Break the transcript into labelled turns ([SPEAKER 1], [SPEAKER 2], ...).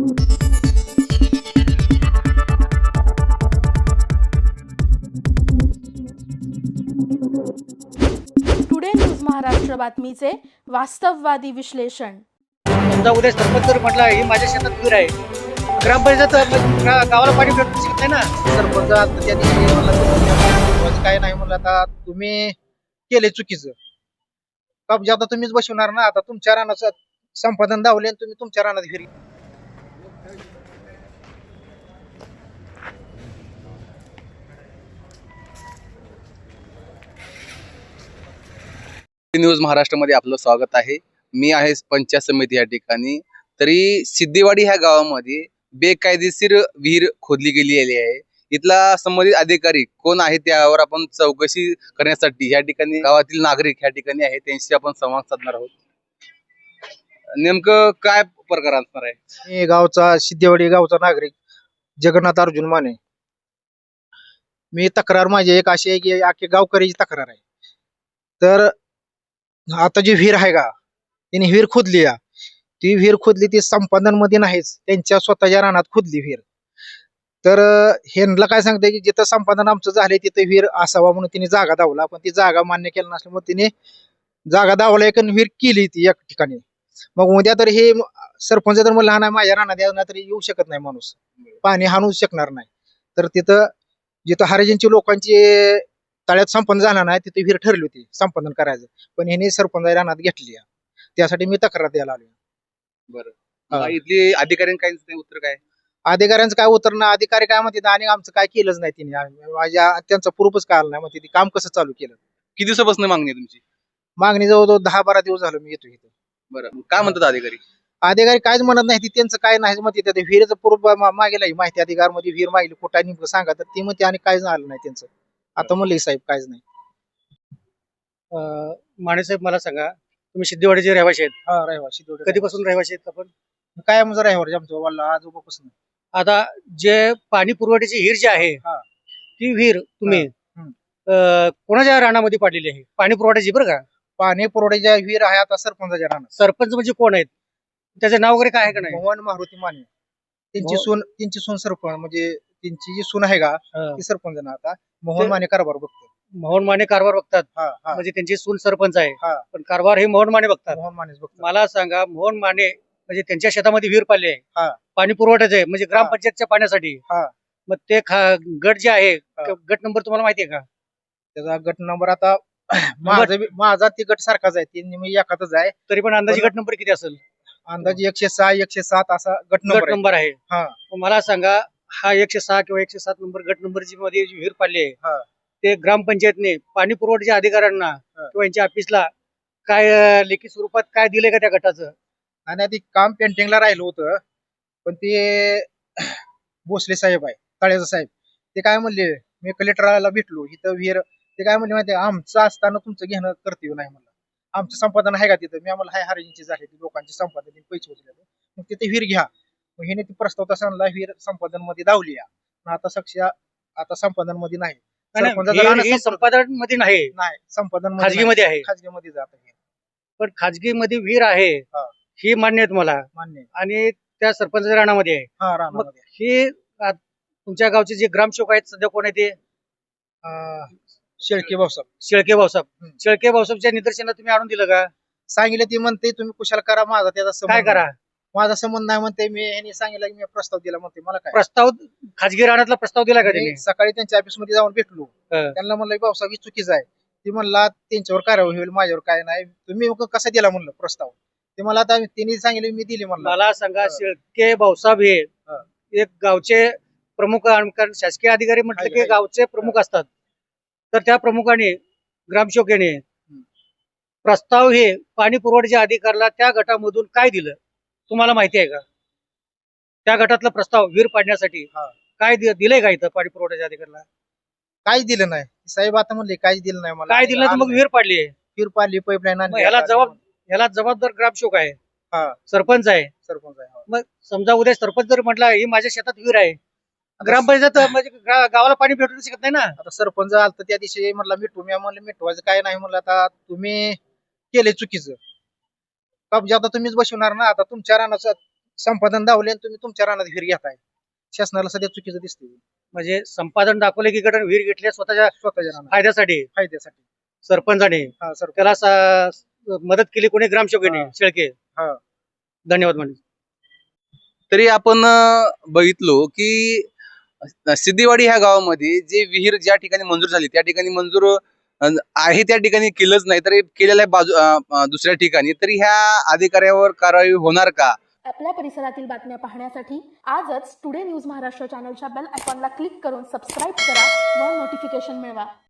[SPEAKER 1] Today news Maharashtra बातमीचे वास्तववादी विश्लेषण.
[SPEAKER 2] समजा उद्या सरपंच जर म्हटलं ही माझ्या शेतात विहीर आहे, ग्रामपंचायत गावाला पाणी भेटू शकत नाही ना.
[SPEAKER 3] सरपंच आता त्या दिवशी म्हणला काय नाही म्हणलं, आता तुम्ही केले चुकीचं. कब्जा आता तुम्हीच बसवणार ना. आता तुमच्या रानाचं संपादन दावले आणि तुम्ही तुमच्या रानात घरी.
[SPEAKER 4] न्यूज महाराष्ट्रामध्ये आपलं स्वागत आहे. मी आहे पंचायत समिती या ठिकाणी. तरी सिद्धेवाडी ह्या गावामध्ये बेकायदेशीर विहीर खोदली गेलेली आहे. इथला संबंधित अधिकारी कोण आहे त्यावर आपण चौकशी करण्यासाठी या ठिकाणी गावातील नागरिक या ठिकाणी आहे, त्यांशी आपण संवाद साधणार आहोत. नेमकं काय प्रकार असणार आहे?
[SPEAKER 3] मी गावचा सिद्धेवाडी गावचा नागरिक जगन्नाथ अर्जुन माने. मी तक्रार माझी एक अशी आहे की आखी गावकऱ्याची तक्रार आहे. तर आता जी विहीर आहे का, तिने विहीर खोदली आहे. ती विहीर खोदली ती संपादन मध्ये नाहीच, त्यांच्या स्वतःच्या रानात खोदली विहीर. तर ह्यांना काय सांगते की जिथं संपादन आमचं झालंय तिथं विहीर असावा म्हणून तिने जागा दावला, पण ती जागा मान्य केली नसल्यामुळे तिने जागा दावला एक विहीर केली ती एक ठिकाणी. मग उद्या तर हे सरपंच तर मला नाही माझ्या रानात यायला तरी येऊ शकत नाही माणूस, पाणी हाणू शकणार नाही. तर तिथं जिथं हरिजनची लोकांची तळ्यात संपन्न झाला नाही तिथे विहीर ठरली होती संपादन करायचं, पण ह्याने सरपंच रानात घेतली. त्यासाठी मी तक्रार द्यायला आलो.
[SPEAKER 4] बरं, इथली अधिकाऱ्यांनी काय उत्तर काय?
[SPEAKER 3] अधिकाऱ्यांचं काय उत्तर ना, अधिकारी काय म्हणते आणि आमचं काय केलंच नाही तिने. माझ्या त्यांचा प्रूफच काय आला नाही, म्हणते ती काम कसं चालू केलं.
[SPEAKER 4] किती दिवसापासून मागणी आहे तुमची?
[SPEAKER 3] मागणी जवळजवळ 10-12 दिवस झालं मी येतो इथं.
[SPEAKER 4] बरं, काय म्हणतात अधिकारी?
[SPEAKER 3] अधिकारी काहीच म्हणत नाही, ती त्यांचं काय नाही म्हणते. त्या विहिरीचं प्रूफ मागेला माहिती अधिकार मध्ये विहीर मागली कुठं नेमकं सांगा, तर ती म्हणते आणि काहीच झालं नाही त्यांचं. आता म्हणले साहेब काहीच नाही.
[SPEAKER 2] माने साहेब मला सांगा, तुम्ही सिद्धेवाडीचे रहिवासी आहेत.
[SPEAKER 3] हा रहिवासी
[SPEAKER 2] कधीपासून रहिवासी आहेत आपण?
[SPEAKER 3] काय म्हणजे रहिवासी आमचं वाला आजोबापासून.
[SPEAKER 2] आता जे पाणी पुरवठ्याची विहीर जी आहे,
[SPEAKER 3] हा.
[SPEAKER 2] ती विहीर तुम्ही
[SPEAKER 3] हम्म.
[SPEAKER 2] कोणाच्या रानामध्ये पाडलेली आहे? पाणी पुरवठ्याची बरं का?
[SPEAKER 3] पाणी पुरवठ्याच्या विहीर आहे आता सरपंचाच्या रानात.
[SPEAKER 2] सरपंच म्हणजे कोण आहेत? त्याचं नाव वगैरे काय आहे का नाही?
[SPEAKER 3] मोहन मारुती माने. त्यांची सून सरपंच, म्हणजे त्यांची जी सून आहे का ती सरपंच ना आता. मोहन माने कारभार बघतो.
[SPEAKER 2] मोहन माने कारभार बघतात.
[SPEAKER 3] हा हा
[SPEAKER 2] म्हणजे त्यांची सून सरपंच आहे,
[SPEAKER 3] हा.
[SPEAKER 2] पण कारभार हे मोहन माने बघतात.
[SPEAKER 3] मोहन मानेच बघतो.
[SPEAKER 2] मला सांगा, मोहन माने म्हणजे त्यांच्या शेतामध्ये विहीर पाडली
[SPEAKER 3] हा.
[SPEAKER 2] आहे, पाणी पुरवठ्याचं आहे, म्हणजे ग्रामपंचायतच्या पाण्यासाठी.
[SPEAKER 3] हा.
[SPEAKER 2] मग ते गट जे आहे, गट नंबर तुम्हाला माहिती आहे का?
[SPEAKER 3] त्याचा गट नंबर आता माझा ती गट सारखाच आहे, ती मी एकातच आहे.
[SPEAKER 2] तरी पण अंदाजे गट नंबर किती असेल?
[SPEAKER 3] अंदाजे 106 107 असा गट
[SPEAKER 2] गट
[SPEAKER 3] नंबर आहे.
[SPEAKER 2] नंबर आहे.
[SPEAKER 3] हा.
[SPEAKER 2] मग मला सांगा, हा 106 किंवा 107 नंबर गट नंबरची मध्ये जी विहीर पाडली
[SPEAKER 3] हा.
[SPEAKER 2] आहे, ते ग्रामपंचायतने पाणी पुरवठ्याच्या अधिकाऱ्यांना किंवा यांच्या ऑफिसला काय लेखी स्वरूपात काय दिलंय का त्या गटाचं?
[SPEAKER 3] आणि आधी काम पेंटिंगला राहिलं होतं, पण ते भोसले साहेब आहे तळ्याचा साहेब, ते काय म्हणले, मी कलेक्टरला भेटलो इथं विहीर, ते काय म्हणले माहिती, आमचं असताना तुमचं घेणं कर्तव्य नाही म्हणलं. आमचं संपादन आहे का तिथं? मी आम्हाला हाय हरिजनची झाली लोकांची संपादन पैसे होते, मग तिथे विहीर घ्या. मग हिने ती प्रस्ताव तसा आणला, विहीर संपादन मध्ये दावली. आता संपादन मध्ये नाही.
[SPEAKER 2] संपादन मध्ये नाही,
[SPEAKER 3] संपादन
[SPEAKER 2] खाजगी मध्ये आहे.
[SPEAKER 3] खाजगी मध्ये जात आहे.
[SPEAKER 2] पण खाजगी मध्ये विहीर आहे
[SPEAKER 3] हा.
[SPEAKER 2] ही मान्य आहे तुम्हाला,
[SPEAKER 3] मान्य आहे.
[SPEAKER 2] आणि त्या सरपंचाच्या राणामध्ये आहे.
[SPEAKER 3] हा
[SPEAKER 2] मग
[SPEAKER 3] रानामध्ये.
[SPEAKER 2] हे तुमच्या गावचे जे ग्रामसेवक आहेत सध्या कोण आहे ते?
[SPEAKER 3] शेळके भाऊसाहेब.
[SPEAKER 2] शेळके भाऊसाहेब.
[SPEAKER 3] हम्म.
[SPEAKER 2] शेळके भाऊसाहेबच्या निदर्शनात तुम्ही आणून दिलं का?
[SPEAKER 3] सांगितलं, ती म्हणते तुम्ही कुशाल करा, माझा त्याचा
[SPEAKER 2] काय
[SPEAKER 3] संबंध
[SPEAKER 2] करा?
[SPEAKER 3] नाही. माझा संबंध नाही म्हणते. मी ह्यांनी सांगितलं की मी प्रस्ताव दिला म्हणते, मला काय
[SPEAKER 2] प्रस्ताव खाजगी रानातला प्रस्ताव दिला का
[SPEAKER 3] मी
[SPEAKER 2] त्यांनी?
[SPEAKER 3] सकाळी त्यांच्या ऑफिस मध्ये जाऊन भेटलो.
[SPEAKER 2] हं.
[SPEAKER 3] त्यांना म्हणलं भाऊसाहेब ही चुकीचं आहे. ती म्हणला त्यांच्यावर कारवाई होईल, माझ्यावर काय नाही. तुम्ही कसा दिला म्हणलं प्रस्ताव? ते मला आता त्यांनी सांगितलं मी दिली म्हणलं.
[SPEAKER 2] मला सांगा, शेळके भाऊसाहेब हे
[SPEAKER 3] हं.
[SPEAKER 2] एक गावचे प्रमुख, कारण शासकीय अधिकारी म्हटलं की
[SPEAKER 3] आहे.
[SPEAKER 2] गावचे प्रमुख असतात. तर त्या प्रमुखाने, ग्रामसेवकाने प्रस्ताव हे पाणी पुरवठ्याच्या अधिकाऱ्याला त्या गटामधून काय दिलं तुम्हाला माहिती आहे का? त्या गटातला प्रस्ताव विहीर पाडण्यासाठी
[SPEAKER 3] हा.
[SPEAKER 2] काय दिलंय का इथं पाणी पुरवठ्याच्या अधिकाऱ्याला?
[SPEAKER 3] काहीच दिलं नाही. साहेब आता म्हणले काहीच दिलं नाही मला.
[SPEAKER 2] काय दिलं तर मग विहीर पाडली आहे.
[SPEAKER 3] विहीर पाडली, पाईपलाईन
[SPEAKER 2] मग ह्याला जबाबदार ग्रामसेवक आहे,
[SPEAKER 3] हा.
[SPEAKER 2] सरपंच आहे.
[SPEAKER 3] सरपंच आहे.
[SPEAKER 2] मग समजा उद्या सरपंच जर म्हटला ही माझ्या शेतात विहीर आहे, ग्रामपंचायत म्हणजे गावाला पाणी भेटू शकत नाही ना.
[SPEAKER 3] आता सरपंच आलता त्या दिवशी म्हणला मिठू, मी म्हणलं मिठवायचं काय नाही म्हणलं, आता तुम्ही केले चुकीचं. कब्जा आता तुम्हीच बसवणार ना. आता तुमच्या रानाचं संपादन दावले आणि तुम्ही तुमच्या रानात विहीर घेताय. शासनाला सध्या चुकीचं दिसते
[SPEAKER 2] म्हणजे संपादन दाखवलं की गटाने विहीर घेतल्या स्वतःच्या
[SPEAKER 3] स्वतःच्या रानात
[SPEAKER 2] फायद्यासाठी
[SPEAKER 3] फायद्यासाठी.
[SPEAKER 2] सरपंचाने
[SPEAKER 3] हा सर.
[SPEAKER 2] त्याला मदत केली कोणी ग्रामसेवकाने
[SPEAKER 3] हा.
[SPEAKER 2] शेळके.
[SPEAKER 3] हा.
[SPEAKER 2] धन्यवाद म्हणजे
[SPEAKER 4] तरी आपण बघितलो की सिद्धीवाडी ह्या गावामध्ये जे विहीर ज्या ठिकाणी मंजूर झाली त्या ठिकाणी मंजूर आहे त्या ठिकाणी केलंच नाही तरी केलेलं आहे दुसऱ्या ठिकाणी, तरी ह्या अधिकाऱ्यावर कारवाई होणार का?
[SPEAKER 1] आपल्या परिसरातील बातम्या पाहण्यासाठी आजच टुडे न्यूज महाराष्ट्र चॅनलच्या बेल आयकॉनला क्लिक करून सबस्क्राईब करा व नोटिफिकेशन मिळवा.